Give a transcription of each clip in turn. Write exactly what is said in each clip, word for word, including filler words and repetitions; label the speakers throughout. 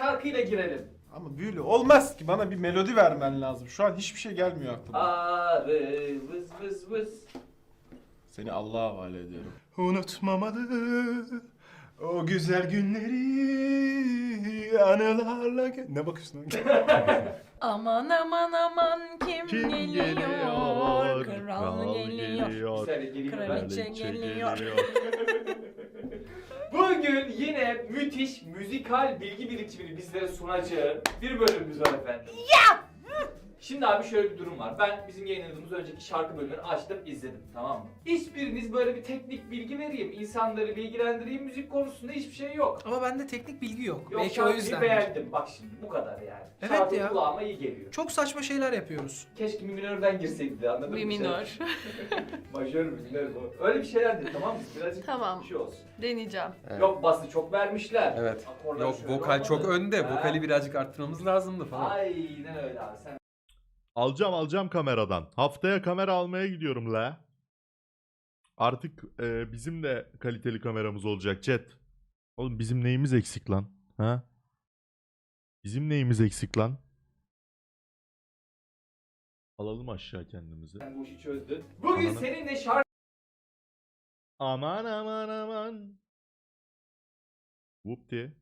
Speaker 1: şarkıyla girelim.
Speaker 2: Ama böyle olmaz ki, bana bir melodi vermen lazım. Şu an hiçbir şey gelmiyor aklıma.
Speaker 1: Arı vız vız vız.
Speaker 2: Seni Allah'a havale ediyorum.
Speaker 3: Unutmamalı o güzel günleri anılarla... Ne bakıyorsun lan?
Speaker 4: Aman aman aman kim,
Speaker 5: Kim
Speaker 4: geliyor?
Speaker 5: geliyor?
Speaker 4: Kral geliyor.
Speaker 1: Bir saniye geleyim ben.
Speaker 4: Kraliçe geliyor.
Speaker 1: Bugün yine müthiş müzikal bilgi birikimini bizlere sunacağı bir bölümümüz var efendim. Ya! Şimdi abi şöyle bir durum var. Ben bizim yayınladığımız önceki şarkı bölümünü açtım, izledim, tamam mı? Hiçbiriniz böyle bir teknik bilgi vereyim, insanları bilgilendireyim müzik konusunda hiçbir şey yok.
Speaker 6: Ama bende teknik bilgi yok.
Speaker 1: Yok,
Speaker 6: Belki o
Speaker 1: şarkıyı
Speaker 6: yüzden.
Speaker 1: beğendim. Bak şimdi bu kadar yani.
Speaker 6: Evet
Speaker 1: Şarkı
Speaker 6: ya.
Speaker 1: kulağıma iyi geliyor.
Speaker 6: Çok saçma şeyler yapıyoruz.
Speaker 1: Keşke mi minörden girseydi de, anladın mı?
Speaker 4: Mi minör.
Speaker 1: Majör mü minör bu? Öyle bir şeyler de, tamam mı? Birazcık
Speaker 4: Tamam.
Speaker 1: bir şey olsun.
Speaker 4: Deneyeceğim.
Speaker 7: Evet.
Speaker 1: Yok bası çok vermişler.
Speaker 7: Evet.
Speaker 1: Akorlar
Speaker 7: Yok
Speaker 1: şöyle
Speaker 7: vokal çok
Speaker 1: olmadı.
Speaker 7: önde.
Speaker 1: Ha.
Speaker 7: Vokali birazcık arttırmamız lazımdı falan.
Speaker 1: Aynen öyle abi. Sen
Speaker 5: Alacağım alacağım kameradan. Haftaya kamera almaya gidiyorum la. Artık e, bizim de kaliteli kameramız olacak chat. Oğlum bizim neyimiz eksik lan? Ha? Bizim neyimiz eksik lan? Alalım aşağı kendimizi.
Speaker 1: sen bu işi çözdün. Bugün
Speaker 5: Anladım.
Speaker 1: seninle şarkı
Speaker 5: Aman aman aman. Whoop diye.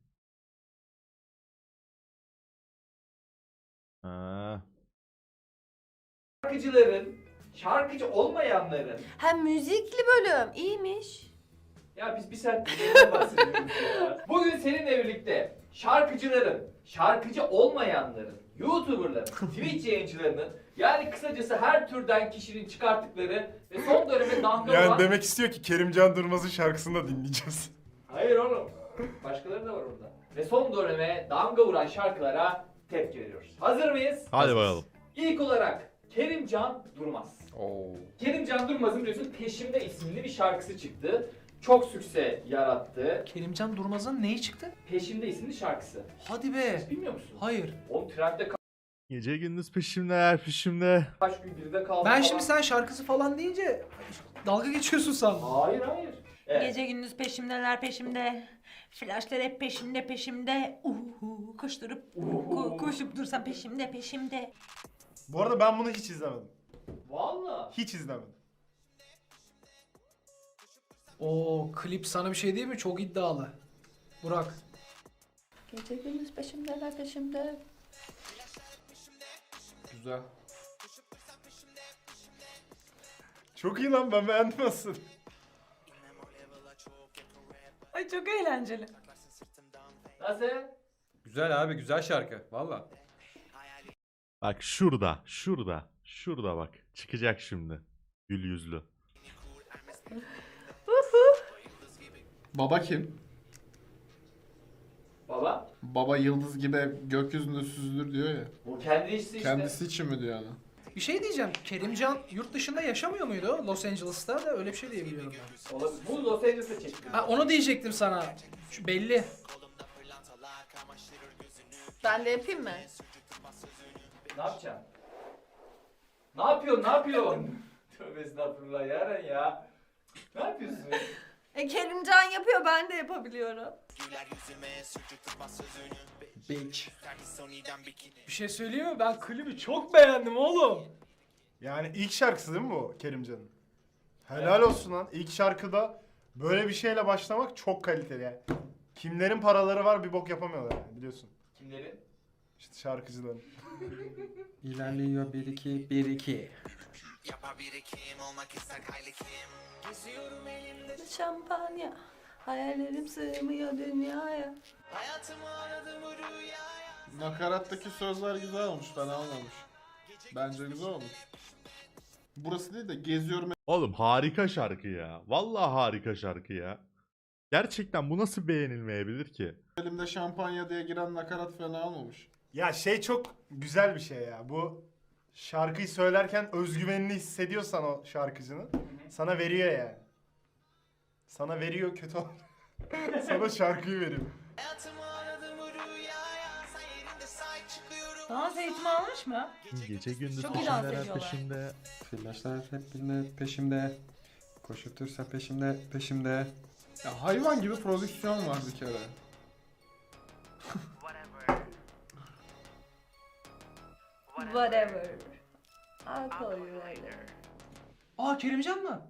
Speaker 5: Ha.
Speaker 1: şarkıcıların, şarkıcı olmayanların...
Speaker 4: Hem müzikli bölüm. İyiymiş.
Speaker 1: Ya biz bir saat dinleyenden bahsediyoruz ya. Bugün seninle birlikte şarkıcıların, şarkıcı olmayanların, YouTuber'ların, Twitch yayıncılarının, yani kısacası her türden kişinin çıkarttıkları ve son döneme damga
Speaker 3: Yani
Speaker 1: vuran...
Speaker 3: demek istiyor ki Kerimcan Durmaz'ın şarkısını da dinleyeceğiz.
Speaker 1: Hayır oğlum. Başkaları da var orada. Ve son döneme damga vuran şarkılara tepki veriyoruz. Hazır mıyız?
Speaker 5: Hadi bakalım.
Speaker 1: İlk olarak Kerimcan Durmaz.
Speaker 7: Oo.
Speaker 1: Kerimcan Durmaz'ın biliyorsun Peşimde isimli bir şarkısı çıktı. Çok sükse yarattı.
Speaker 6: Kerimcan Durmaz'ın neyi çıktı?
Speaker 1: Peşimde isimli şarkısı.
Speaker 6: Hadi be.
Speaker 1: Hiç bilmiyor musun?
Speaker 6: Hayır.
Speaker 1: Oğlum trendde ka-
Speaker 5: Gece gündüz peşimde her peşimde.
Speaker 1: kaç gün birde kaldı
Speaker 6: Ben
Speaker 1: falan.
Speaker 6: şimdi sen şarkısı falan deyince dalga geçiyorsun sandım.
Speaker 1: Hayır hayır. Evet.
Speaker 4: Gece gündüz peşimdeler peşimde. Flashlar hep peşimde peşimde. Uhu koşturup ko- koşup dursam peşimde peşimde.
Speaker 3: Bu arada ben bunu hiç izlemedim.
Speaker 1: Valla.
Speaker 3: Hiç izlemedim.
Speaker 6: Oo, klip sana bir şey değil mi? Çok iddialı. Burak.
Speaker 4: Gece gündüz peşimdeler peşimde.
Speaker 2: Güzel.
Speaker 3: Çok iyi lan, ben beğendim aslında.
Speaker 4: Ay çok eğlenceli.
Speaker 1: Nasıl?
Speaker 7: Güzel abi güzel şarkı. Valla.
Speaker 5: Bak şurada, şurada, şurada bak. Çıkacak şimdi. Gül yüzlü.
Speaker 2: Baba kim?
Speaker 1: Baba.
Speaker 2: Baba yıldız gibi gökyüzünde süzülür diyor ya.
Speaker 1: Bu kendi işi işte.
Speaker 2: Kendisi için mi diyor yani?
Speaker 6: Bir şey diyeceğim. Kerimcan yurt dışında yaşamıyor muydu? Los Angeles'ta da öyle bir şey diye biliyorum ben.
Speaker 1: Olabilir. Bu Los Angeles'ta çekildi.
Speaker 6: Ha, onu diyecektim sana. Şu belli.
Speaker 4: Ben de yapayım mı?
Speaker 1: Ne yapacaksın? Ne yapıyorsun? Ne yapıyorsun? Tövbe estağfurullah Yaren ya. Ne yapıyorsun?
Speaker 4: E Kerimcan yapıyor, ben de yapabiliyorum.
Speaker 2: Bitch.
Speaker 6: Bir şey söyleyeyim mi? Ben klibi çok beğendim oğlum.
Speaker 3: Yani ilk şarkısı değil mi bu Kerimcan'ın? Helal olsun lan. İlk şarkıda böyle bir şeyle başlamak çok kaliteli yani. Kimlerin paraları var bir bok yapamıyorlar yani, biliyorsun.
Speaker 1: Kimlerin?
Speaker 3: İşte şarkıcıların.
Speaker 7: İlerliyor bir iki bir iki.
Speaker 4: Şampanya. Hayallerim sığmıyor dünyaya.
Speaker 2: Nakarattaki sözler güzel olmuş, fena olmamış. Bence güzel olmuş. Burası değil de geziyorum
Speaker 5: Oğlum harika şarkı ya. Vallahi harika şarkı ya. Gerçekten bu nasıl beğenilmeyebilir ki?
Speaker 2: elimde şampanya diye giren nakarat fena olmamış.
Speaker 3: Ya şey çok güzel bir şey ya. Bu şarkıyı söylerken özgüvenini hissediyorsan o şarkıcının sana veriyor yani. Sana veriyor kötü ol. Sana şarkıyı veriyor.
Speaker 4: Dans eğitimi almış mı?
Speaker 5: Gece gündüz
Speaker 4: Çok iyi dans
Speaker 5: peşimde her
Speaker 4: ediyorlar.
Speaker 5: peşimde.
Speaker 7: Flaşlar hep peşimde peşimde. Koşup dursa peşimde peşimde.
Speaker 2: Ya hayvan gibi prodüksiyon var bir kere.
Speaker 8: Whatever. I'll call you later.
Speaker 6: Aa Kerimcan mı?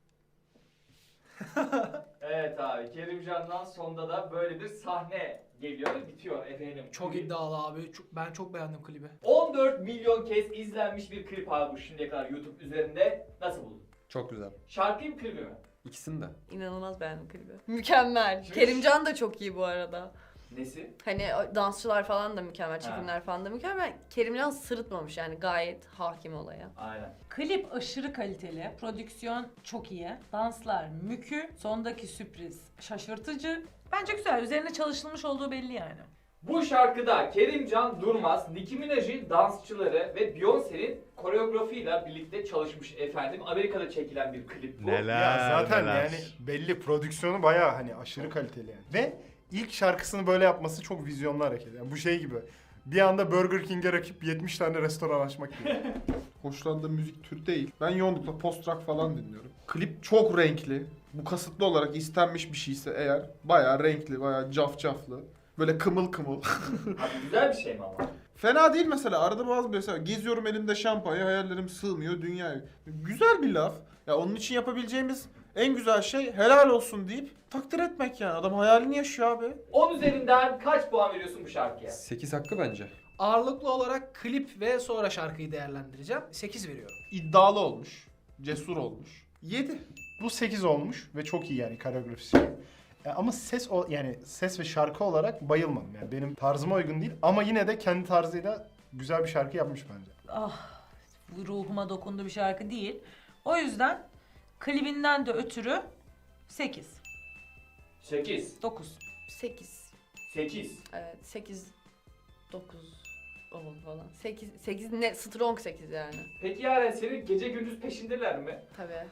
Speaker 1: Evet abi, Kerimcan'dan sonda da böyle bir sahne geliyor, bitiyor efendim.
Speaker 6: Çok
Speaker 1: Klip.
Speaker 6: iddialı abi. Çok- ben çok beğendim klibi.
Speaker 1: on dört milyon kez izlenmiş bir klip abi bu şimdiye kadar YouTube üzerinde. Nasıl buldun?
Speaker 7: Çok güzel.
Speaker 1: Şarkıyı mı klibi mi?
Speaker 7: İkisini de.
Speaker 8: İnanılmaz beğendim klibi. Mükemmel.
Speaker 1: Şuş.
Speaker 8: Kerimcan da çok iyi bu arada.
Speaker 1: Nesi?
Speaker 8: Hani o dansçılar falan da mükemmel,
Speaker 1: Ha.
Speaker 8: çekimler falan da mükemmel. Kerimcan sırıtmamış yani, gayet hakim olaya.
Speaker 1: Aynen.
Speaker 4: Klip aşırı kaliteli, prodüksiyon çok iyi, danslar mükü, sondaki sürpriz şaşırtıcı. Bence güzel, üzerine çalışılmış olduğu belli yani.
Speaker 1: Bu şarkıda Kerimcan Durmaz, Nicki Minaj'ın dansçıları ve Beyoncé'nin koreografiyle birlikte çalışmış efendim. Amerika'da çekilen bir klip bu.
Speaker 5: Neler
Speaker 3: Ya zaten
Speaker 5: neler.
Speaker 3: yani belli, prodüksiyonu bayağı hani aşırı kaliteli yani. Ve ilk şarkısını böyle yapması çok vizyonlu hareket. Yani bu şey gibi. Bir anda Burger King'e rakip yetmiş tane restoran açmak gibi.
Speaker 2: Hoşlandığım müzik türü değil. Ben yoğunlukla post rock falan dinliyorum. Klip çok renkli. Bu kasıtlı olarak istenmiş bir şeyse eğer bayağı renkli, bayağı cafcaflı. Böyle kımıl kımıl.
Speaker 1: Abi güzel bir şey mi ama?
Speaker 2: Fena değil mesela. Arada bazı mesela geziyorum elimde şampanya, hayallerim sığmıyor dünyaya. Güzel bir laf. Ya onun için yapabileceğimiz en güzel şey helal olsun deyip takdir etmek yani. Adam hayalini yaşıyor abi.
Speaker 1: on üzerinden kaç puan veriyorsun bu şarkıya?
Speaker 7: sekiz hakkı bence.
Speaker 6: Ağırlıklı olarak klip ve sonra şarkıyı değerlendireceğim. sekiz veriyorum.
Speaker 2: İddialı olmuş. Cesur olmuş. yedi.
Speaker 3: Bu sekiz olmuş ve çok iyi yani koreografisi. E, Ama ses o yani ses ve şarkı olarak bayılmadım yani, benim tarzıma uygun değil ama yine de kendi tarzıyla güzel bir şarkı yapmış bence.
Speaker 4: Ah, bu ruhuma dokundu bir şarkı değil. O yüzden klibinden de ötürü sekiz,
Speaker 1: sekiz.
Speaker 4: dokuz.
Speaker 8: sekiz.
Speaker 1: sekiz.
Speaker 8: Evet, sekiz, dokuz oldu falan. sekiz, sekiz ne? Strong sekiz yani.
Speaker 1: Peki Yaren, senin gece gündüz peşindeler mi?
Speaker 8: Tabii.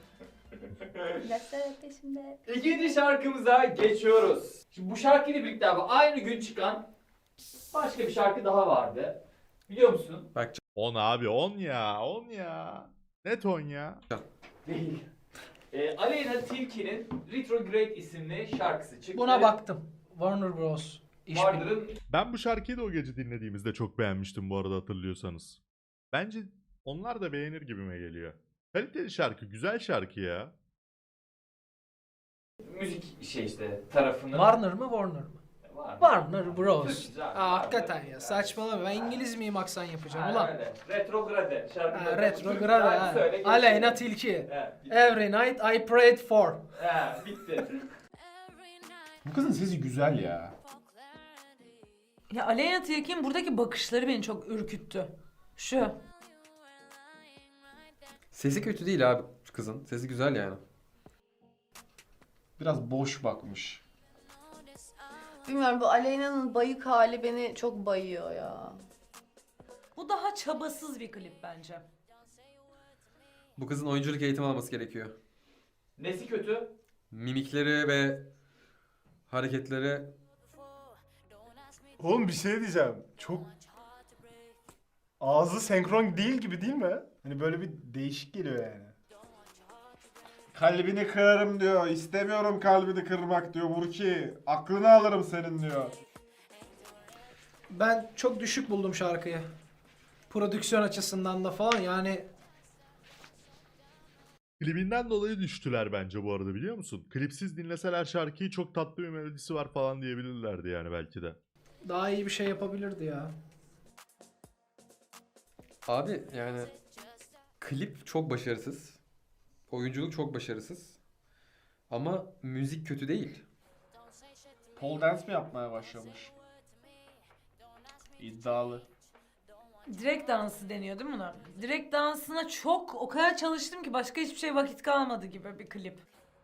Speaker 8: Laflar peşimde.
Speaker 1: İkinci şarkımıza geçiyoruz. Şimdi bu şarkıyla birlikte abi aynı gün çıkan başka bir şarkı daha vardı. Biliyor musun?
Speaker 7: Bak
Speaker 5: on abi on ya on ya. Net on ya.
Speaker 1: Değil. Ee, Aleyna Tilki'nin Retrograde isimli şarkısı çıktı.
Speaker 6: Buna baktım. Warner Bros. İşbirliği.
Speaker 1: Warner'ın
Speaker 5: Ben bu şarkıyı da o gece dinlediğimizde çok beğenmiştim bu arada, hatırlıyorsanız. Bence onlar da beğenir gibime geliyor. Kaliteli şarkı, güzel şarkı ya.
Speaker 1: müzik şey işte tarafının...
Speaker 6: Warner mı Warner mı?
Speaker 1: Warner.
Speaker 6: Warner Bros.
Speaker 1: Türkçe zaten.
Speaker 6: Aa, hakikaten
Speaker 1: Warner.
Speaker 6: ya, saçmalama. Ben İngiliz miyim aksan yapacağım
Speaker 1: Ha,
Speaker 6: ulan?
Speaker 1: öyle. Retrograde şarkı.
Speaker 6: Ha, Retrograde ha.
Speaker 1: Söyle,
Speaker 6: Aleyna Tilki.
Speaker 1: He, bitti.
Speaker 6: Every night I prayed for.
Speaker 1: He, bitti.
Speaker 2: Bu kızın sesi güzel ya.
Speaker 4: Ya Aleyna Tilki'nin buradaki bakışları beni çok ürküttü. Şu.
Speaker 7: sesi kötü değil abi kızın. Sesi güzel yani.
Speaker 2: Biraz boş bakmış.
Speaker 8: Bilmiyorum, bu Aleyna'nın bayık hali beni çok bayıyor ya.
Speaker 4: Bu daha çabasız bir klip bence.
Speaker 7: Bu kızın oyunculuk eğitimi alması gerekiyor.
Speaker 1: Nesi kötü?
Speaker 7: Mimikleri ve hareketleri
Speaker 3: Oğlum bir şey diyeceğim. Çok ağzı senkron değil gibi değil mi? Hani böyle bir değişik geliyor yani.
Speaker 2: Kalbini kırarım diyor. İstemiyorum kalbini kırmak diyor Burki. Aklını alırım senin diyor.
Speaker 6: Ben çok düşük buldum şarkıyı. Prodüksiyon açısından da falan yani.
Speaker 5: Klibinden dolayı düştüler bence bu arada, biliyor musun? Klipsiz dinleseler şarkıyı çok tatlı bir melodisi var falan diyebilirlerdi yani belki de.
Speaker 6: Daha iyi bir şey yapabilirdi ya.
Speaker 7: Abi yani klip çok başarısız. Oyunculuk çok başarısız. Ama müzik kötü değil.
Speaker 2: Pole dance mi yapmaya başlamış? İddialı.
Speaker 4: Direkt dansı deniyor değil mi buna? Direkt dansına çok o kadar çalıştım ki başka hiçbir şey vakit kalmadı gibi bir klip.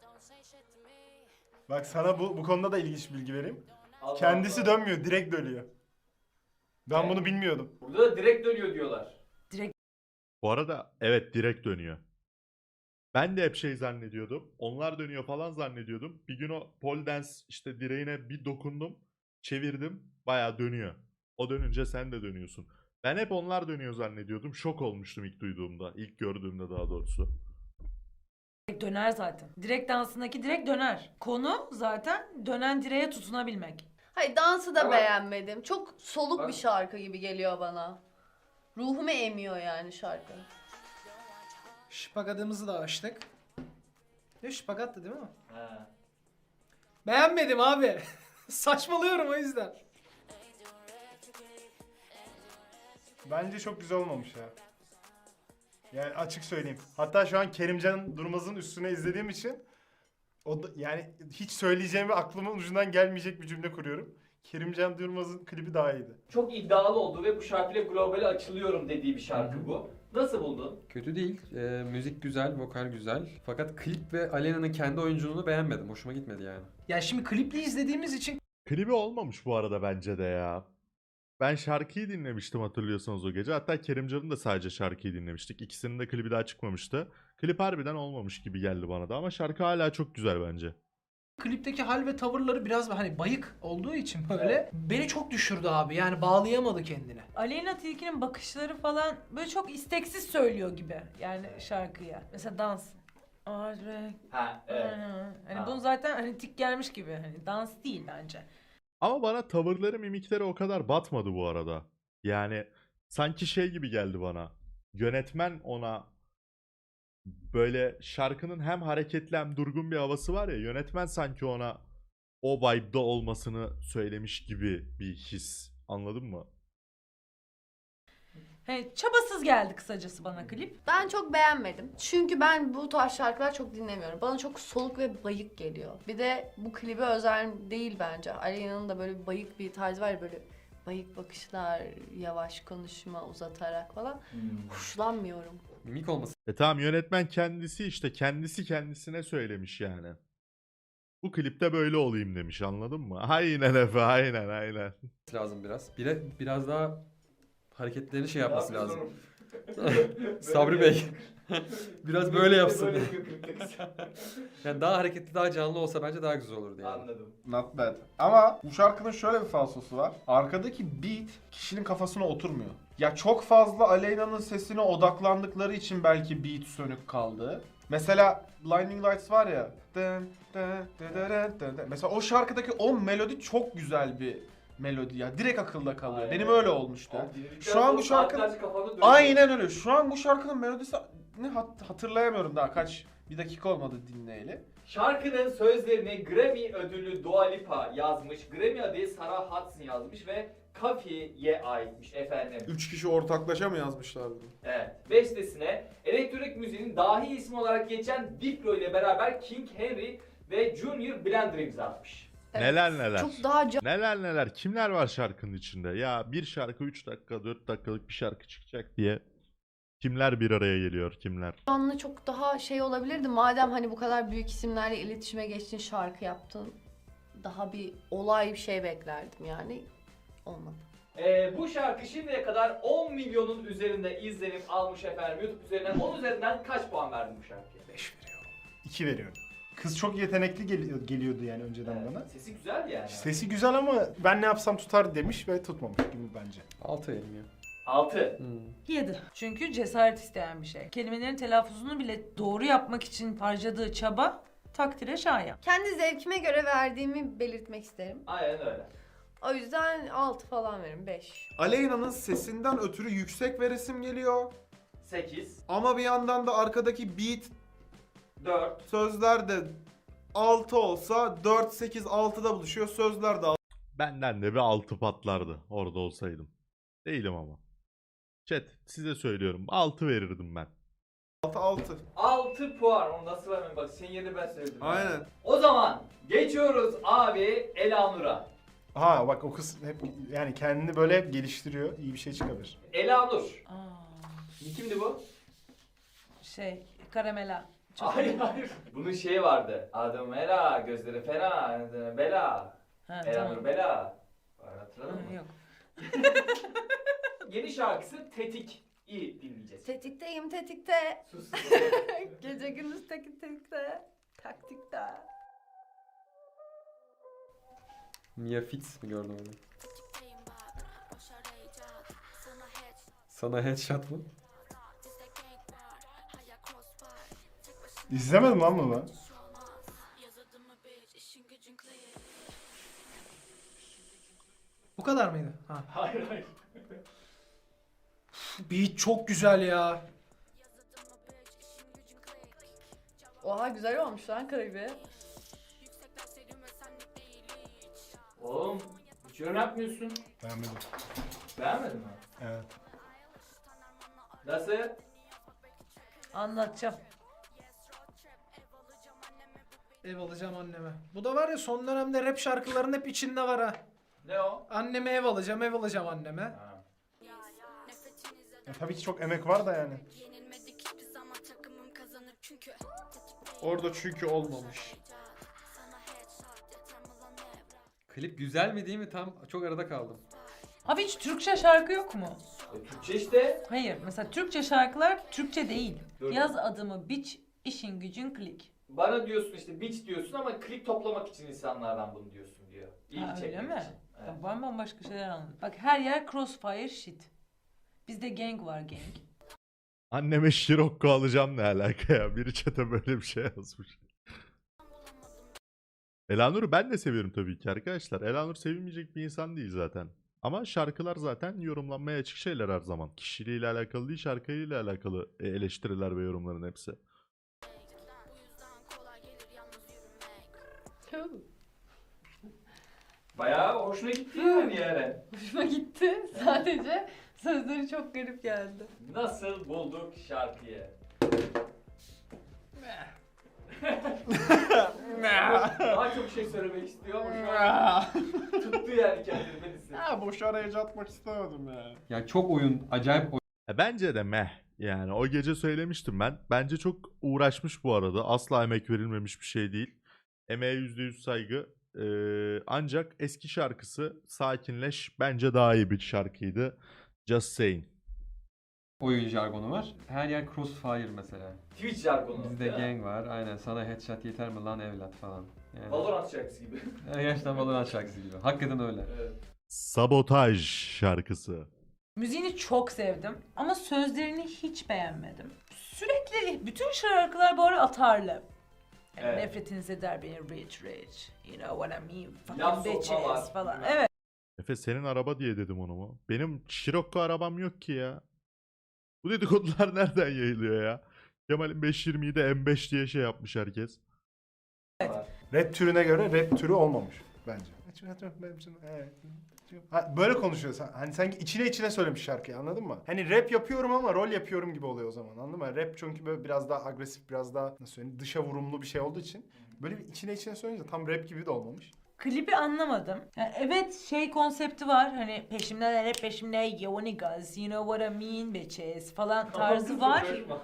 Speaker 3: Bak sana bu bu konuda da ilginç bilgi vereyim.
Speaker 1: Allah
Speaker 3: Kendisi
Speaker 1: Allah.
Speaker 3: dönmüyor, direkt dönüyor. Ben
Speaker 1: Evet.
Speaker 3: bunu bilmiyordum.
Speaker 1: Burada da direkt dönüyor diyorlar.
Speaker 5: Bu arada evet, direkt dönüyor. Ben de hep şey zannediyordum. Onlar dönüyor falan zannediyordum. Bir gün o pole dance işte direğine bir dokundum. Çevirdim. Bayağı dönüyor. O dönünce sen de dönüyorsun. Ben hep onlar dönüyor zannediyordum. Şok olmuştum ilk duyduğumda. İlk gördüğümde daha doğrusu.
Speaker 4: Direkt döner zaten. Direkt dansındaki direkt döner. Konu zaten dönen direğe tutunabilmek.
Speaker 8: Hayır, dansı da
Speaker 1: Ama-
Speaker 8: beğenmedim. Çok soluk
Speaker 1: Bak-
Speaker 8: bir şarkı gibi geliyor bana. Ruhumu emiyor yani şarkı.
Speaker 6: Şpagatımızı da açtık. Ne şpagattı değil mi?
Speaker 1: Ha.
Speaker 6: Beğenmedim abi. Saçmalıyorum o yüzden.
Speaker 3: Bence çok güzel olmamış ya. Yani açık söyleyeyim. Hatta şu an Kerimcan Durmaz'ın üstüne izlediğim için o da, yani hiç söyleyeceğimi aklımın ucundan gelmeyecek bir cümle kuruyorum. Kerimcan Durmaz'ın klibi daha iyiydi.
Speaker 1: Çok iddialı oldu ve bu şarkıyla globale açılıyorum dediği bir şarkı bu. Nasıl buldun?
Speaker 7: Kötü değil. Ee, müzik güzel, vokal güzel. Fakat klip ve Alena'nın kendi oyunculuğunu beğenmedim. Hoşuma gitmedi yani.
Speaker 6: Ya şimdi klipli izlediğimiz için
Speaker 5: Klibi olmamış bu arada bence de ya. Ben şarkıyı dinlemiştim hatırlıyorsanız o gece. Hatta Kerimcan'ın da sadece şarkıyı dinlemiştik. İkisinin de klibi daha çıkmamıştı. Klip harbiden olmamış gibi geldi bana da ama şarkı hala çok güzel bence.
Speaker 6: klipteki hal ve tavırları biraz hani bayık olduğu için böyle beni çok düşürdü abi. Yani bağlayamadı kendine.
Speaker 4: Aleyna Tilki'nin bakışları falan böyle çok isteksiz söylüyor gibi yani şarkıya. Mesela dans. Ağır
Speaker 1: Ha evet.
Speaker 4: Hani
Speaker 1: Ha.
Speaker 4: bunu zaten hani tik gelmiş gibi. Hani dans değil bence.
Speaker 5: Ama bana tavırları, mimikleri o kadar batmadı bu arada. Yani sanki şey gibi geldi bana. Yönetmen ona böyle şarkının hem hareketli hem durgun bir havası var ya. Yönetmen sanki ona o vibe'da olmasını söylemiş gibi bir his. Anladın mı?
Speaker 4: Hani çabasız geldi kısacası bana klip.
Speaker 8: Ben çok beğenmedim. Çünkü ben bu tarz şarkılar çok dinlemiyorum. Bana çok soluk ve bayık geliyor. Bir de bu klibe özel değil bence. Alena'nın da böyle bir bayık bir tarzı var ya, böyle bayık bakışlar, yavaş konuşma, uzatarak falan.
Speaker 1: Hmm.
Speaker 8: Hoşlanmıyorum.
Speaker 7: Mimik olması
Speaker 5: E tamam, yönetmen kendisi işte kendisi kendisine söylemiş yani. Bu klipte böyle olayım demiş, anladın mı? Aynen Efe, aynen aynen.
Speaker 7: lazım biraz. Bire, biraz daha hareketlerini şey yapması
Speaker 1: Ne
Speaker 7: lazım.
Speaker 1: yapıyorsun
Speaker 7: Sabri
Speaker 1: oğlum?
Speaker 7: Bey. Biraz böyle yapsın.
Speaker 1: Böyle yapıyor klipte kız.
Speaker 7: Yani daha hareketli, daha canlı olsa bence daha güzel olurdu yani.
Speaker 1: Anladım.
Speaker 2: Not bad. Ama bu şarkının şöyle bir falsosu var. Arkadaki beat kişinin kafasına oturmuyor. Ya çok fazla Aleyna'nın sesine odaklandıkları için belki beat sönük kaldı. Mesela Blinding Lights var ya. Dın, dın, dın, dın, dın, dın. Mesela o şarkıdaki o melodi çok güzel bir melodi ya. Direkt akılda kalıyor.
Speaker 1: Aynen.
Speaker 2: Benim öyle olmuştu.
Speaker 1: Abi dinledikten
Speaker 2: Şu an
Speaker 1: sonra
Speaker 2: bu şarkı-
Speaker 1: saatlerce kafanda dönüyor.
Speaker 2: Aynen öyle. Şu an bu şarkının melodisi ne hat- hatırlayamıyorum daha kaç bir dakika olmadı dinleyeli.
Speaker 1: Şarkının sözlerini Grammy ödüllü Dua Lipa yazmış. Grammy adayı Sarah Hudson yazmış ve Kafi'ye aitmiş efendim.
Speaker 2: Üç kişi ortaklaşa mı yazmışlar bunu?
Speaker 1: Evet. Bestesine elektronik müziğin dahi ismi olarak geçen Diplo ile beraber King Henry ve Junior Blender imza atmış.
Speaker 5: Neler neler.
Speaker 8: Çok daha
Speaker 5: Neler neler. Kimler var şarkının içinde? Ya bir şarkı üç dakika dört dakikalık bir şarkı çıkacak diye. Kimler bir araya geliyor, kimler?
Speaker 8: canlı, çok daha şey olabilirdi. Madem hani bu kadar büyük isimlerle iletişime geçtin, şarkı yaptın. Daha bir olay bir şey beklerdim yani. Olmadı.
Speaker 1: Ee, bu şarkı şimdiye kadar on milyonun üzerinde izlenim almış efendim. YouTube üzerinden on üzerinden kaç puan verdin bu şarkıya?
Speaker 6: beş veriyorum.
Speaker 3: İki veriyorum. Kız çok yetenekli geliyor, geliyordu yani önceden
Speaker 1: Evet,
Speaker 3: bana.
Speaker 1: sesi güzel yani.
Speaker 3: Sesi güzel ama ben ne yapsam tutar demiş ve tutmamış gibi bence.
Speaker 7: Altı verim ya.
Speaker 1: altı.
Speaker 7: Hmm.
Speaker 4: Yedi. Çünkü cesaret isteyen bir şey. Kelimelerin telaffuzunu bile doğru yapmak için harcadığı çaba takdire şayan.
Speaker 8: Kendi zevkime göre verdiğimi belirtmek isterim.
Speaker 1: Aynen öyle.
Speaker 8: O yüzden altı falan veririm, beş.
Speaker 2: Aleyna'nın sesinden ötürü yüksek veresim geliyor.
Speaker 1: sekiz.
Speaker 2: Ama bir yandan da arkadaki beat
Speaker 1: dört.
Speaker 2: sözler de altı olsa dört, sekiz, altıda buluşuyor. Sözler de
Speaker 5: Benden de bir altı patlardı orada olsaydım. Değilim ama. Chat size söylüyorum, altı verirdim ben.
Speaker 2: altı, altı.
Speaker 1: altı puan. Onu nasıl vermem? Bak senin yerine ben söyledim.
Speaker 2: Aynen.
Speaker 1: O zaman geçiyoruz abi Elanur'a.
Speaker 3: Ha bak, o kız hep yani kendini böyle hep geliştiriyor. İyi bir şey çıkabilir.
Speaker 1: Elanur.
Speaker 4: Aa,
Speaker 1: Kimdi bu?
Speaker 4: şey, karamela. Çok
Speaker 1: Hayır hayır. Bunun şeyi vardı. Adım Ela, gözleri fena, adı Bela.
Speaker 4: Ha,
Speaker 1: Elanur
Speaker 4: tamam.
Speaker 1: Bela. Var, hatırladın
Speaker 4: Ha,
Speaker 1: mı?
Speaker 4: yok.
Speaker 1: Yeni şarkısı Tetik. İyi dinleyeceğiz.
Speaker 8: Tetikteyim tetikte.
Speaker 1: Sus.
Speaker 8: Gece gündüz tetik tetikte. Taktikte.
Speaker 7: Mia Fitz mi gördüm onu? Sana headshot mı?
Speaker 3: İzlemedim lan bunu.
Speaker 6: Bu kadar mıydı? Ha.
Speaker 1: Hayır hayır.
Speaker 6: Beat çok güzel ya.
Speaker 8: Oha güzel olmuş lan klibi.
Speaker 1: Oğlum hiç yorum yapmıyorsun.
Speaker 3: Beğenmedim.
Speaker 1: Beğenmedin mi?
Speaker 3: Evet.
Speaker 1: Nasıl?
Speaker 4: Anlatacağım.
Speaker 6: Ev alacağım anneme. Bu da var ya son dönemde rap şarkıların hep içinde var ha.
Speaker 1: Ne o?
Speaker 6: Anneme ev alacağım, ev alacağım anneme.
Speaker 1: Ha.
Speaker 3: Ya, tabii ki çok emek var da yani.
Speaker 2: Orada çünkü olmamış.
Speaker 7: Klip güzel mi değil mi tam çok arada kaldım.
Speaker 4: Abi hiç Türkçe şarkı yok mu?
Speaker 1: E, Türkçe işte.
Speaker 4: Hayır. Mesela Türkçe şarkılar Türkçe değil.
Speaker 1: Dur.
Speaker 4: Yaz adımı biç, işin gücün klik.
Speaker 1: Bana diyorsun işte bitch diyorsun ama klik toplamak için insanlardan bunu diyorsun diyor. İlgi
Speaker 4: Ha, öyle
Speaker 1: çekmek
Speaker 4: mi?
Speaker 1: için. Evet.
Speaker 4: Ya ben bambaşka şeyler anladım. Bak her yer crossfire shit. Bizde gang var gang.
Speaker 5: Anneme Şirokko alacağım ne alaka ya? Biri chat'e böyle bir şey yazmış. Elanur'u ben de seviyorum tabii ki arkadaşlar. Elanur sevilmeyecek bir insan değil zaten. Ama şarkılar zaten yorumlanmaya açık şeyler her zaman. Kişiliğiyle alakalı değil, şarkıyla alakalı e, eleştiriler ve yorumların hepsi.
Speaker 1: Bayağı hoşuna gitti yani Yaren.
Speaker 8: Hoşuma gitti. Sadece sözleri çok garip geldi.
Speaker 1: Nasıl bulduk şarkıyı? Daha çok şey söylemek istiyor ama şu an tuttu yani kendini Melis'i.
Speaker 2: Ha boş araya atmak istemedim yani.
Speaker 7: Ya çok oyun, acayip oyun.
Speaker 5: E, bence de meh. Yani o gece söylemiştim ben. Bence çok uğraşmış bu arada. Asla emek verilmemiş bir şey değil. Emeğe yüzde yüz saygı. Ee, ancak eski şarkısı Sakinleş bence daha iyi bir şarkıydı. Just saying.
Speaker 7: oyun jargonu var. Her yer crossfire mesela.
Speaker 1: Twitch jargonu.
Speaker 7: Bizde
Speaker 1: değil mi?
Speaker 7: gang var. Aynen sana headshot yeter mi lan evlat falan. Yani,
Speaker 1: Valorant şarkısı gibi.
Speaker 7: yani gerçekten Valorant şarkısı gibi. Hakikaten öyle.
Speaker 1: Evet.
Speaker 5: Sabotaj şarkısı.
Speaker 4: Müziğini çok sevdim ama sözlerini hiç beğenmedim. Sürekli bütün şarkılar bu ara atarlı. Yani
Speaker 1: Evet.
Speaker 4: Nefretiniz eder beni rich rich. You know what I mean?
Speaker 1: Laf
Speaker 4: Fucking
Speaker 1: sokma var,
Speaker 4: bitches falan.
Speaker 1: bilmem.
Speaker 4: Evet.
Speaker 5: Efe senin araba diye dedim onu mu? Benim Scirocco arabam yok ki ya. Bu dedikodular nereden yayılıyor ya? Kemal'in beş yirmiyi de M beş diye şey yapmış herkes.
Speaker 3: Rap türüne göre rap türü olmamış bence. Ha, böyle konuşuyorsun. Hani sanki içine içine söylemiş şarkıyı anladın mı? Hani rap yapıyorum ama rol yapıyorum gibi oluyor o zaman anladın mı? Rap çünkü böyle biraz daha agresif, biraz daha nasıl söyleyeyim dışa vurumlu bir şey olduğu için böyle bir içine içine söyleyince tam rap gibi de olmamış.
Speaker 4: Klibi anlamadım. Yani evet şey konsepti var. Hani peşimden hep peşimde yo niggas, you know what I mean bitches falan tarzı var.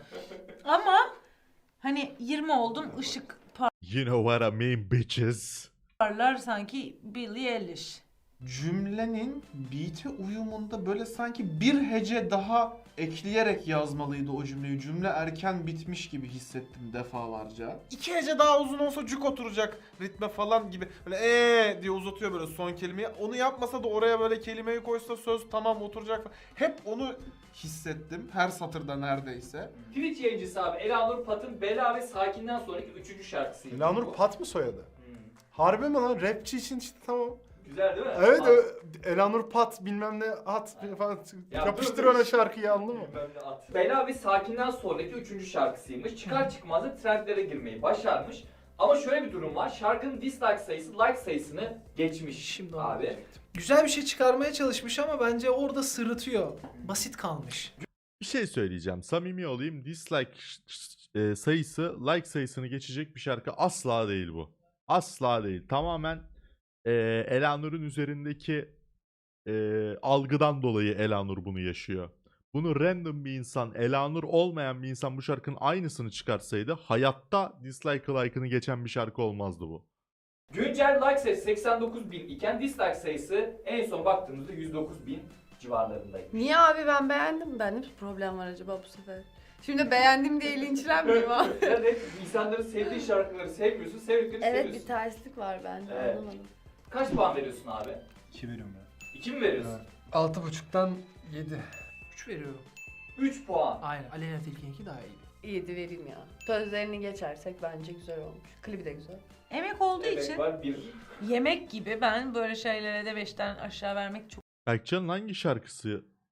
Speaker 4: Ama hani yirmi oldum ışık
Speaker 5: You know what I mean bitches.
Speaker 4: parlar sanki Billie Eilish.
Speaker 2: Cümlenin beat'e uyumunda böyle sanki bir hece daha ekleyerek yazmalıydı o cümleyi. Cümle erken bitmiş gibi hissettim defalarca. İki hece daha uzun olsa cuk oturacak ritme falan gibi. Böyle eee diye uzatıyor böyle son kelimeyi. Onu yapmasa da oraya böyle kelimeyi koysa söz tamam oturacak falan. Hep onu hissettim her satırda neredeyse.
Speaker 1: Twitch yayıncısı abi Elanur Pat'ın Bela ve Sakin'den sonraki üçüncü şarkısıydı.
Speaker 3: Elanur
Speaker 1: bu.
Speaker 3: Pat mı soyadı?
Speaker 1: Hmm.
Speaker 3: Harbi mi lan? Rapçi için işte tamam.
Speaker 1: Güzel değil mi?
Speaker 3: Evet
Speaker 1: Pat.
Speaker 3: ö- Elanur Pat bilmem ne at falan
Speaker 1: Ya
Speaker 3: yapıştır
Speaker 1: dur, dur.
Speaker 3: ona şarkıyı anladın mı?
Speaker 1: Bilmem ne at. Bela ve Sakin'den sonraki üçüncü şarkısıymış. Çıkar çıkmaz da trendlere girmeyi başarmış. Ama şöyle bir durum var. Şarkının dislike sayısı like sayısını geçmiş
Speaker 6: Şimdi onu
Speaker 1: abi.
Speaker 6: diyecektim. Güzel bir şey çıkarmaya çalışmış ama bence orada sırıtıyor. Basit kalmış.
Speaker 5: Bir şey söyleyeceğim. Samimi olayım. Dislike e, sayısı like sayısını geçecek bir şarkı asla değil bu. Asla değil. Tamamen e, Elanur'un üzerindeki e, algıdan dolayı Elanur bunu yaşıyor. Bunu random bir insan, Elanur olmayan bir insan bu şarkının aynısını çıkarsaydı hayatta dislike like'ını geçen bir şarkı olmazdı bu.
Speaker 1: Güncel like sayısı seksen dokuz bin iken dislike sayısı en son baktığımızda yüz dokuz bin civarlarındaydı.
Speaker 8: Niye abi ben beğendim? Bende bir problem var acaba bu sefer? Şimdi beğendim diye linçlenmeyeyim abi.
Speaker 1: Sen de insanların sevdiği şarkıları sevmiyorsun, sevdiklerini
Speaker 8: Evet
Speaker 1: seviyorsun.
Speaker 8: bir terslik var bende
Speaker 1: Evet.
Speaker 8: anlamadım.
Speaker 1: Kaç puan veriyorsun abi?
Speaker 3: İki veriyorum ya.
Speaker 1: iki mi veriyorsun?
Speaker 7: Altı buçuktan yedi.
Speaker 6: üç veriyorum.
Speaker 1: üç puan.
Speaker 6: Aynen. Aleyna Tilki'ninki daha iyi.
Speaker 8: İyiydi vereyim ya. Sözlerini geçersek bence güzel olmuş. Klibi de güzel.
Speaker 4: Emek olduğu
Speaker 1: Evet
Speaker 4: için
Speaker 1: var bir.
Speaker 4: yemek gibi ben böyle şeylere de beşten aşağı vermek çok
Speaker 5: Berkcan'ın hangi şarkısı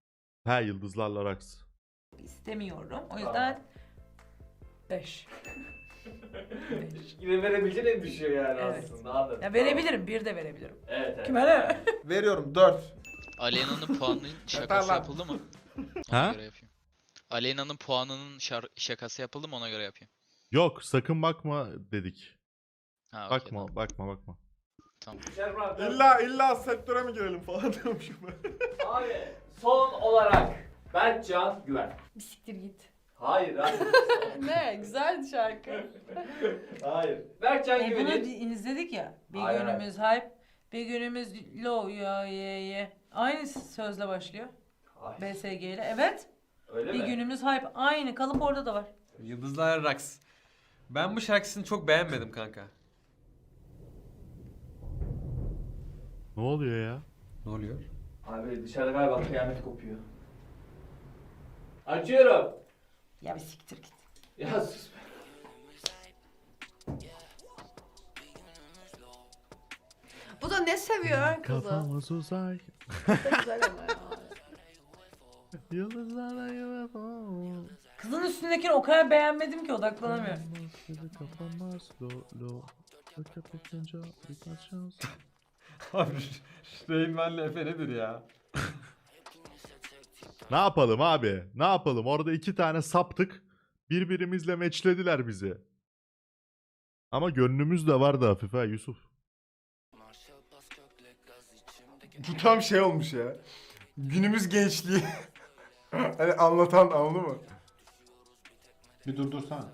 Speaker 5: He, Yıldızlarla Raks.
Speaker 4: istemiyorum. O yüzden beş.
Speaker 1: Yine verebileceğin en düşüyor yani
Speaker 4: Evet.
Speaker 1: aslında. Anladım.
Speaker 4: Ya verebilirim, bir de verebilirim.
Speaker 1: Evet evet.
Speaker 4: Kime ne?
Speaker 2: Veriyorum dört.
Speaker 9: Aleyna'nın puanının şakası
Speaker 2: lan.
Speaker 9: yapıldı mı?
Speaker 5: Ha?
Speaker 9: Ona göre yapayım. Aleyna'nın puanının şar- şakası yapıldı mı, ona göre yapayım.
Speaker 5: Yok, sakın bakma dedik.
Speaker 9: Ha, okey,
Speaker 5: Bakma,
Speaker 9: tamam.
Speaker 5: bakma, bakma.
Speaker 9: Tamam.
Speaker 1: Şerman,
Speaker 2: İlla illa sektöre mi girelim falan diyormuşum ben.
Speaker 1: Abi son olarak Berkcan Güven.
Speaker 8: Bir siktir git.
Speaker 1: Hayır hayır.
Speaker 8: Ne? Güzeldi şarkı.
Speaker 1: Hayır. Berkcan
Speaker 4: E bunu
Speaker 1: Güven'in...
Speaker 4: di- izledik ya. Bir
Speaker 1: Hayır,
Speaker 4: günümüz hype, bir günümüz low ya ye ye. Aynı sözle başlıyor.
Speaker 1: Hayır.
Speaker 4: B S G ile. Evet.
Speaker 1: Öyle
Speaker 4: Bir
Speaker 1: mi?
Speaker 4: günümüz hype. Aynı kalıp orada da var.
Speaker 7: Yıldızlar Raks. Ben bu şarkısını çok beğenmedim kanka.
Speaker 5: Ne oluyor ya?
Speaker 7: Ne oluyor?
Speaker 1: Abi dışarıda galiba kıyamet kopuyor. Açıyorum.
Speaker 4: Ya bir siktir git.
Speaker 1: Ya sus be.
Speaker 8: Bu da ne seviyor ha kızı?
Speaker 5: Kafamız uzay.
Speaker 8: Çok güzel ama ya.
Speaker 5: Yıldızlarla U F O.
Speaker 4: Kızın üstündekini o kadar beğenmedim ki odaklanamıyorum.
Speaker 5: Kapanmaz lo lo. Fakat bakınca birkaç şans.
Speaker 7: Abi Reynmen'le Efe nedir ya?
Speaker 5: Ne yapalım abi? Ne yapalım? Orada iki tane saptık. Birbirimizle meçlediler bizi. Ama gönlümüz de vardı hafif ha Yusuf.
Speaker 3: Bu tam şey olmuş ya. Günümüz gençliği. Hani anlatan, anladın mı?
Speaker 2: Bir durdursana.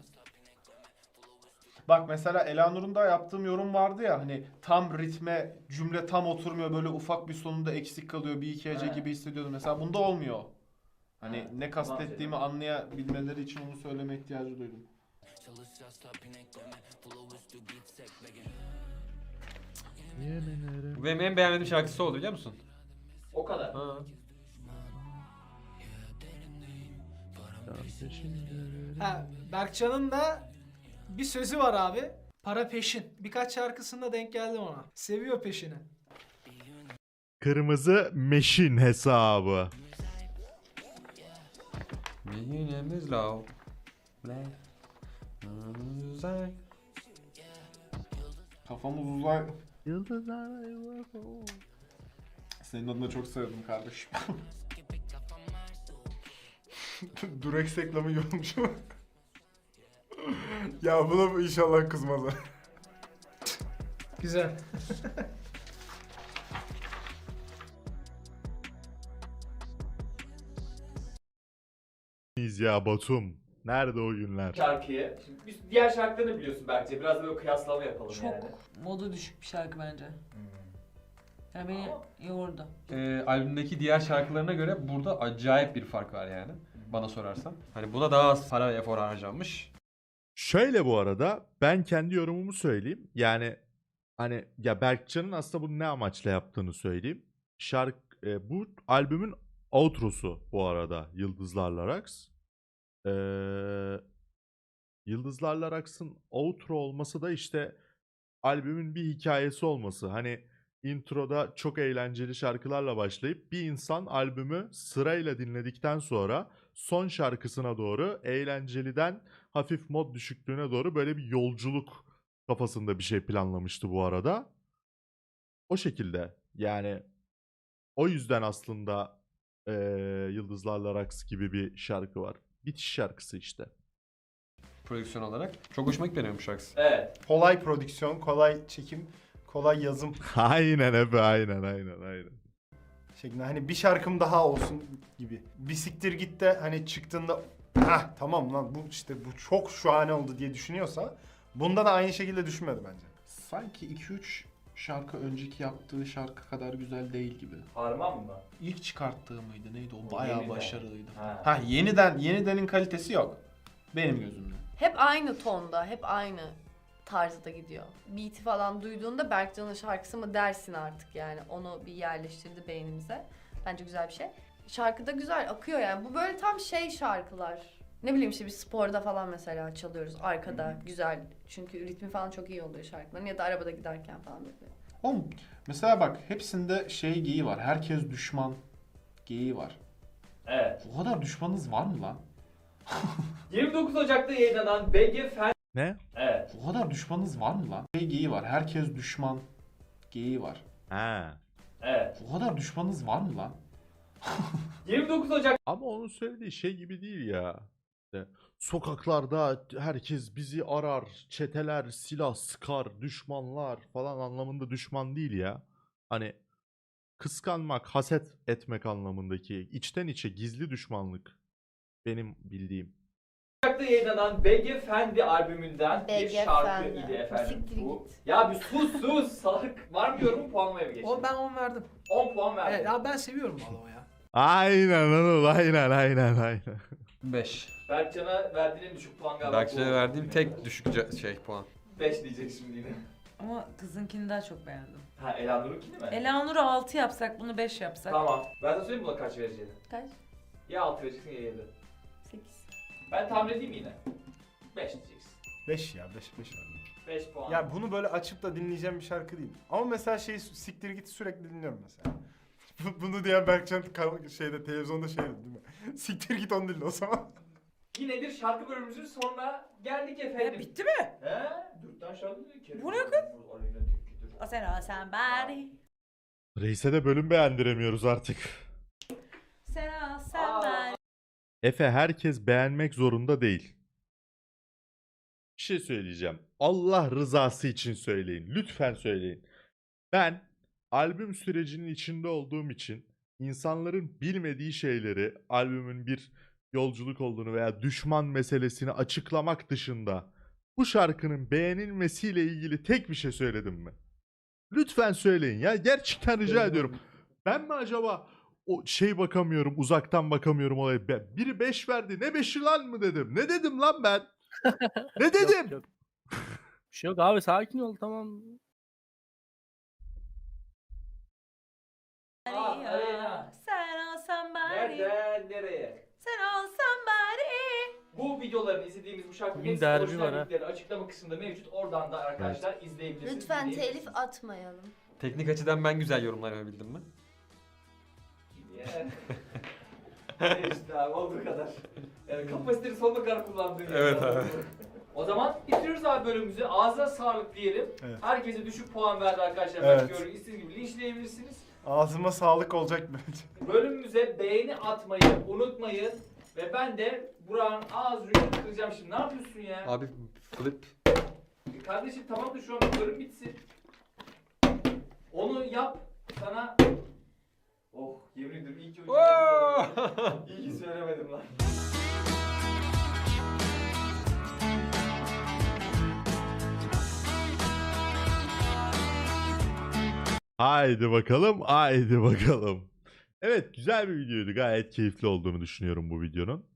Speaker 2: Bak mesela Elanur'un da yaptığım yorum vardı ya hani tam ritme cümle tam oturmuyor böyle ufak bir sonunda eksik kalıyor bir iki hece
Speaker 1: He.
Speaker 2: gibi hissediyordum. Mesela bunda olmuyor. Hani
Speaker 1: He.
Speaker 2: ne kastettiğimi anlayabilmeleri için onu söyleme ihtiyacı duydum.
Speaker 7: Bu benim en beğenmediğim şarkısı oldu biliyor musun?
Speaker 1: O kadar.
Speaker 7: Ha.
Speaker 6: Ha, Berkcan'ın da bir sözü var abi. Para peşin. Birkaç şarkısında denk geldim ona. Seviyor peşini.
Speaker 5: Kırmızı meşin hesabı.
Speaker 7: Günümüz low. Uzay.
Speaker 2: Kafamız uzay.
Speaker 5: Yıldızlarla U F O.
Speaker 2: Senin adına çok sevdim kardeşim.
Speaker 3: Durex reklamı gibi olmuş ama. Ya buna inşallah kızmazlar.
Speaker 6: Güzel.
Speaker 5: Biz ya Batum. Nerede o günler?
Speaker 1: Şarkıyı. Şimdi biz diğer şarkılarını biliyorsun bence. Biraz da böyle kıyaslama yapalım
Speaker 4: Çok
Speaker 1: yani.
Speaker 4: modu düşük bir şarkı bence. Yani beni yordu.
Speaker 7: Ee, albümdeki diğer şarkılarına göre burada acayip bir fark var yani. Bana sorarsan. Hani buna daha az para ve efor harcanmış.
Speaker 5: Şöyle bu arada ben kendi yorumumu söyleyeyim. Yani hani ya Berkcan'ın aslında bunu ne amaçla yaptığını söyleyeyim. Şarkı e, bu albümün outrosu bu arada Yıldızlarla Raks. Ee, Yıldızlarla Raks'ın outro olması da işte albümün bir hikayesi olması. Hani introda çok eğlenceli şarkılarla başlayıp bir insan albümü sırayla dinledikten sonra son şarkısına doğru eğlenceliden hafif mod düşüklüğüne doğru böyle bir yolculuk kafasında bir şey planlamıştı bu arada. O şekilde yani o yüzden aslında eee Yıldızlarla Raks gibi bir şarkı var. Bitiş şarkısı işte.
Speaker 7: Prodüksiyon olarak. Çok hoşuma gitti benim bu şarkısı.
Speaker 1: Evet.
Speaker 3: Kolay prodüksiyon, kolay çekim, kolay yazım
Speaker 5: Aynen Efe, aynen aynen aynen.
Speaker 3: şeklinde. Hani bir şarkım daha olsun gibi. Bir siktir git de hani çıktığında hah tamam lan bu işte bu çok şahane oldu diye düşünüyorsa bunda da aynı şekilde düşünmedi bence.
Speaker 2: Sanki iki üç şarkı önceki yaptığı şarkı kadar güzel değil gibi.
Speaker 1: Harman mı?
Speaker 2: İlk çıkarttığı mıydı neydi o
Speaker 1: O
Speaker 2: bayağı
Speaker 1: yeniden.
Speaker 2: başarılıydı.
Speaker 1: Ha.
Speaker 2: Ha yeniden yenidenin kalitesi yok. Benim gözümde.
Speaker 8: Hep aynı tonda, hep aynı tarzda gidiyor. Beat'i falan duyduğunda Berkcan'ın şarkısı mı dersin artık yani. Onu bir yerleştirdi beynimize. Bence güzel bir şey. Şarkı da güzel akıyor yani. Bu böyle tam şey şarkılar. Ne bileyim işte bir sporda falan mesela çalıyoruz arkada güzel. Çünkü ritmi falan çok iyi oluyor şarkıların ya da arabada giderken falan böyle.
Speaker 2: Oğlum mesela bak hepsinde şey geyiği var. Herkes düşman geyiği var.
Speaker 1: Evet.
Speaker 2: O kadar düşmanınız var mı lan?
Speaker 1: yirmi dokuz Ocak'ta yayınlanan B G Fen...
Speaker 5: Ne?
Speaker 1: Evet.
Speaker 2: O kadar düşmanınız var mı lan? Şey geyiği var. Herkes düşman. Geyiği var.
Speaker 5: Ha.
Speaker 1: Evet.
Speaker 2: O kadar düşmanınız var mı lan?
Speaker 1: yirmi dokuz Ocak
Speaker 5: Ama onun söylediği şey gibi değil ya. İşte sokaklarda herkes bizi arar, çeteler, silah sıkar, düşmanlar falan anlamında düşman değil ya. Hani kıskanmak, haset etmek anlamındaki içten içe gizli düşmanlık benim bildiğim.
Speaker 1: Ocak'ta yayınlanan B G Fendi albümünden
Speaker 8: B
Speaker 1: bir
Speaker 8: G
Speaker 1: şarkı
Speaker 8: Fendi.
Speaker 1: idi efendim.
Speaker 8: Siktir
Speaker 1: Bu.
Speaker 8: git.
Speaker 1: Ya bir sus sus salak. Var mı yorumu puanlamaya mı geçelim?
Speaker 6: O ben on verdim.
Speaker 1: on puan verdim.
Speaker 6: Evet abi ben seviyorum valla ya.
Speaker 5: Aynen oğlum, aynen aynen aynen.
Speaker 7: beş.
Speaker 1: Berkcan'a verdiğin en düşük puan galiba.
Speaker 7: Berkcan'a verdiğim tek düşük ce- şey puan.
Speaker 1: beş diyecek şimdi yine.
Speaker 4: Ama kızınkini daha çok beğendim.
Speaker 1: Ha Elanur'unkini mi?
Speaker 4: Elanur'u altı yapsak bunu beş yapsak.
Speaker 1: Tamam. Ben sana söyleyeyim buna kaç vereceğini.
Speaker 8: Kaç?
Speaker 1: Ya altı vereceksin ya yedi.
Speaker 8: sekiz.
Speaker 1: Ben tahmin edeyim yine. beş diyeceksin.
Speaker 3: beş ya beş beş verdim.
Speaker 1: beş puan.
Speaker 3: Ya bunu böyle açıp da dinleyeceğim bir şarkı değil. Ama mesela şey siktir git sürekli dinliyorum mesela. Bu- Bunu diyen Berkcan kal- şeyde televizyonda şey dedi değil mi? Siktir git onu dinle o zaman.
Speaker 1: Yine bir şarkı bölümümüzün sonuna geldik
Speaker 4: Ya
Speaker 1: efendim.
Speaker 4: bitti mi?
Speaker 1: He? Dörtten şarkı dedi ki.
Speaker 4: Bu ne kız? O sen o sen bari.
Speaker 5: Reis'e de bölüm beğendiremiyoruz artık.
Speaker 4: Sen o sen
Speaker 1: Aa.
Speaker 4: bari.
Speaker 5: Efe, herkes beğenmek zorunda değil. Bir şey söyleyeceğim. Allah rızası için söyleyin. Lütfen söyleyin. Ben albüm sürecinin içinde olduğum için insanların bilmediği şeyleri, albümün bir yolculuk olduğunu veya düşman meselesini açıklamak dışında bu şarkının beğenilmesiyle ilgili tek bir şey söyledim mi? Lütfen söyleyin ya. Gerçekten rica ediyorum. Ben mi acaba o şey bakamıyorum, uzaktan bakamıyorum olaya. Ben- Biri beş verdi. Ne beşi lan mı dedim? Ne dedim lan ben? Ne dedim?
Speaker 10: Yok, yok. Bir şey yok abi, sakin ol, tamam.
Speaker 1: Aa, Aleyna.
Speaker 4: Sen o sen bari.
Speaker 1: Nereden nereye?
Speaker 4: Sen o sen bari.
Speaker 1: Bu videoların izlediğimiz bu şarkının
Speaker 10: Bugün
Speaker 1: hepsi
Speaker 10: derbi
Speaker 1: orijinal
Speaker 10: var ha.
Speaker 1: linkleri açıklama kısmında mevcut. Oradan da arkadaşlar izleyebilirsiniz.
Speaker 8: Lütfen telif
Speaker 1: dinleyebilirsiniz.
Speaker 8: atmayalım.
Speaker 7: Teknik açıdan ben güzel yorumlar yapabildim mi?
Speaker 1: Yeah. Ne işte abi olduğu kadar. Yani kapasiteni sonuna kadar kullandığın yer.
Speaker 7: Evet abi.
Speaker 1: O zaman bitiriyoruz abi bölümümüzü. Ağzına sağlık diyelim.
Speaker 3: Evet.
Speaker 1: Herkese düşük puan verdi arkadaşlar.
Speaker 3: Evet.
Speaker 1: Evet. Belki istediğiniz gibi linçleyebilirsiniz.
Speaker 3: Ağzıma sağlık olacak bence.
Speaker 1: Bölümümüze beğeni atmayı unutmayın. Ve ben de Burak'ın ağzını kıracağım şimdi. Ne yapıyorsun ya?
Speaker 7: Abi flip.
Speaker 1: E Kardeşim tamam da şu an bölüm bitsin. Onu yap. Sana... Oh yemin ederim iyi ki o İyi ki söylemedim lan.
Speaker 5: Haydi bakalım, haydi bakalım. Evet, güzel bir videoydu. Gayet keyifli olduğunu düşünüyorum bu videonun.